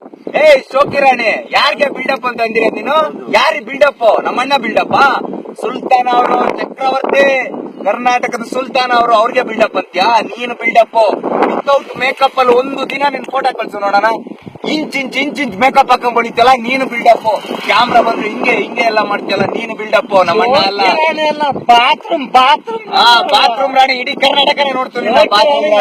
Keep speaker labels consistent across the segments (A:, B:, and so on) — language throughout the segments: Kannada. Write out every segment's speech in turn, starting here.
A: ಶೋಕಿರಾಣಿ ಯಾರಿಗೆ ಬಿಲ್ಡಪ್ ಅಂತ ಅಂದಿರ ನೀನು? ಯಾರಿಗೆ ಬಿಲ್ಡಪ್? ನಮ್ಮಣ್ಣ ಬಿಲ್ಡಪ್? ಸುಲ್ತಾನ್ ಅವರು ಚಕ್ರವರ್ತಿ, ಕರ್ನಾಟಕದ ಸುಲ್ತಾನ್ ಅವರು, ಅವ್ರಿಗೆ ಬಿಲ್ಡಪ್ ಅಂತ್ಯಾ? ನೀನು ಬಿಲ್ಡಪ್ ವಿತೌಟ್ ಮೇಕಪ್ ಅಲ್ಲಿ ಒಂದು ದಿನ ನಿನ್ ಫೋಟೋ ಕಳ್ಸು ನೋಡೋಣ. ಇಂಚ್ ಮೇಕಪ್ ಹಾಕೊಂಡ್ ಬಳಿತಲ್ಲ ನೀನು ಬಿಲ್ಡಪ್. ಕ್ಯಾಮ್ರಾ ಬಂದ್ರೆ ಹಿಂಗೆ ಎಲ್ಲ ಮಾಡ್ತೀಯಲ್ಲ ನೀನು ಬಿಲ್ಡಪ್. ನಮ್ಮಣ್ಣ ಅಲ್ಲ. ಬಾತ್ರೂಮ್ ರಾಣಿ ಇಡೀ ಕರ್ನಾಟಕನೇ ನೋಡ್ತೀನಿ. ಬಾತ್ರೂಮ್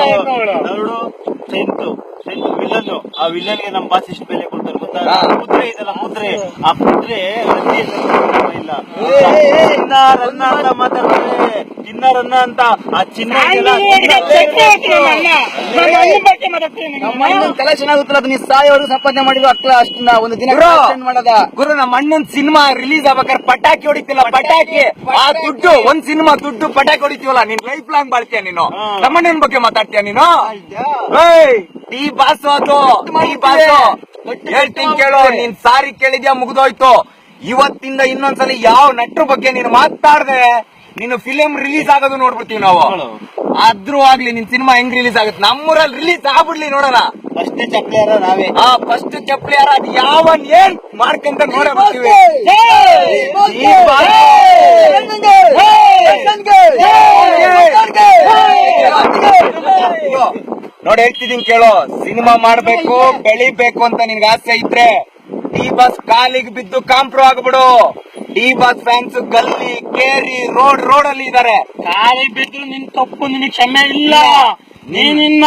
B: ವಿಲನ್, ಆ ವಿಲನ್ಗೆ ನಮ್ಮ ಬಾಸ್ ಇಷ್ಟು ಬೆಲೆ ಕೊಡ್ತಾರೆ ಗೊತ್ತಾ? ಕುದುರೆ ಇದೆಲ್ಲ, ಕುದುರೆ, ಆ ಕುದುರೆ ಇಲ್ಲ ಚಿನ್ನ ಅಂತ ಮಾತಾಡ್ತಾರೆ. ಚಿನ್ನ ಅಂತ ಆ ಚಿನ್ನ
A: ತಲೆ ಚೆನ್ನಾಗುತ್ತಲ್ಲ, ಅದು ನೀ ಸಾಯೋರ್ಗು ಸಂಪಾದನೆ ಮಾಡಿದ್ರು ಅಕ್ಲ ಅಷ್ಟನ್ನ ಒಂದು ದಿನ ಮಾಡದ. ಗುರು ನಮ್ಮ ಅಣ್ಣನ್ ಸಿನಿಮಾ ರಿಲೀಸ್ ಆಗ್ಬೇಕಾದ್ರೆ ಪಟಾಕಿ ಹೊಡಿತಿಲ್ಲ, ಪಟಾಕಿ. ಆ ದುಡ್ಡು ಒಂದ್ ಸಿನಿಮಾ ದುಡ್ಡು ಪಟಾಕಿ ಹೊಡಿತೀವಲ್ಲ, ನೀನ್ ಲೈಫ್ ಲಾಂಗ್ ಬಾಳ್ತೀಯ ನೀನು. ನಮ್ಮಣ್ಣನ ಬಗ್ಗೆ ಮಾತಾಡ್ತೀಯ ನೀನು? ಟೀ ಬಾಸು ಅದು, ಟೀ ಬಾಸು. ಹೇಳ್ತೀನಿ ಕೇಳು, ನೀನ್ ಸಾರಿ ಕೇಳಿದ್ಯಾ ಮುಗ್ದೋಯ್ತು. ಇವತ್ತಿಂದ ಇನ್ನೊಂದ್ಸಲ ಯಾವ ನಟ್ರ ಬಗ್ಗೆ ನೀನು ಮಾತಾಡ್ದೆ ನೀನು ಫಿಲಿಂ ರಿಲೀಸ್ ಆಗೋದು ನೋಡ್ಬಿಡ್ತೀವಿ ನಾವು. ಆದ್ರೂ ಆಗ್ಲಿ ನಿನ್ ಸಿನಿಮಾ ಹೆಂಗ್ ರಿಲೀಸ್ ಆಗುತ್ತೆ, ನಮ್ಮೂರಲ್ಲಿ ರಿಲೀಸ್ ಆಗ್ಬಿಡ್ಲಿ ನೋಡೋಣ.
B: ಫಸ್ಟ್ ಚಪ್ಲಿಯಾರ ನಾವೇ.
A: ಫಸ್ಟ್ ಚಪ್ಲಿಯಾರ ಅದು ಯಾವನ್ ಏನ್ ಮಾಡ್ಕಂತ ನೋಡ್ಬಿಡ್ತೀವಿ. ನೋಡಿ ಹೇಳ್ತಿದೀನಿ ಕೇಳು, ಸಿನಿಮಾ ಮಾಡ್ಬೇಕು ಬೆಳಿಬೇಕು ಅಂತ ನಿನ್ಗೆ ಆಸೆ ಇದ್ರೆ ಡಿ ಬಾಸ್ ಕಾಲಿಗೆ ಬಿದ್ದು ಕಾಂಪ್ರೋ ಆಗ್ಬಿಡು. ಡಿ ಬಾಸ್ ಫ್ಯಾನ್ಸ್ ಗಲ್ಲಿ ಕೇರಿ ರೋಡ್ ಅಲ್ಲಿ ಇದಾರೆ.
B: ಕಾಲಿಗೆ ಬಿದ್ದು ನಿನ್ ತಪ್ಪು, ನಿನಗೆ ಕ್ಷಮೆ ಇಲ್ಲ. ನೀನಿನ್ನ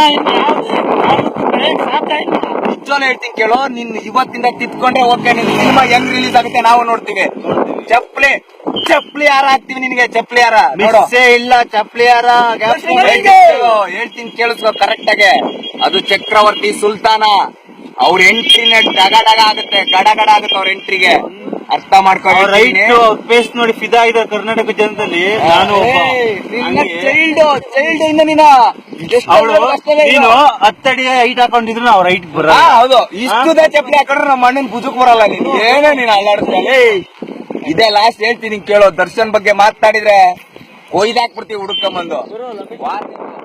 A: ನಿಜವಾಗ್ಲೂ ಹೇಳ್ತೀನಿ ಕೇಳು, ನಿನ್ ಇವತ್ತಿಂದ ತಿತ್ಕೊಂಡ್ರೆ ಓಕೆ. ನಿನ್ ಸಿನಿಮಾ ಹೆಂಗ್ ರಿಲೀಸ್ ಆಗುತ್ತೆ ನಾವು ನೋಡ್ತೀವಿ. ಚಪ್ಲಿ ಹಾರ ಹಾಕ್ತಿವಿ ನಿನ್ಗೆ. ಚಪ್ಲಿ ಹಾರ ನೋಡೋಸೇ ಇಲ್ಲ. ಚಪ್ಲಿ ಹಾರ ಹೇಳ್ತೀನಿ ಕೇಳಿಸ್ಕೊ ಕರೆಕ್ಟ್ ಆಗಿ. ಅದು ಚಕ್ರವರ್ತಿ ಸುಲ್ತಾನ, ಅವ್ರ ಎಂಟ್ರಿನ ಗಡ ಆಗುತ್ತೆ ಅವ್ರ ಎಂಟ್ರಿಗೆ. ಅರ್ಥ ಮಾಡ್ಕೊ.
B: ರೈಟ್ ಫೇಸ್ ನೋಡಿ ಫಿದಾ ಇದೆ ಕರ್ನಾಟಕ ಜನದಲ್ಲಿ. ನಾನು
A: ಚೈಲ್ಡ್ ಇಂದ ನೀನು
B: 10 ಅಡಿ ಹೈಟ್ ಹಾಕೊಂಡಿದ್ರು ನಾವು ರೈಟ್ ಬರ.
A: ಹೌದು, ಇಷ್ಟುದ ಚಪ್ಪಲಿ ಹಾಕೊಂಡ್ರೆ ನಮ್ಮ ಅಣ್ಣನ್ ಬುಜುಕ್ ಬರಲ್ಲ. ನೀನು ಏನೋ ನೀನು ಅಲ್ಲಾಡ್ತೀಯ. ಇದೇ ಲಾಸ್ಟ್ ಹೇಳ್ತೀನಿ ಕೇಳೋ, ದರ್ಶನ್ ಬಗ್ಗೆ ಮಾತಾಡಿದ್ರೆ ಕೊಯ್ದಾಕ್ಬಿಡ್ತೀವಿ ಹುಡುಕೊಂಬಂದು.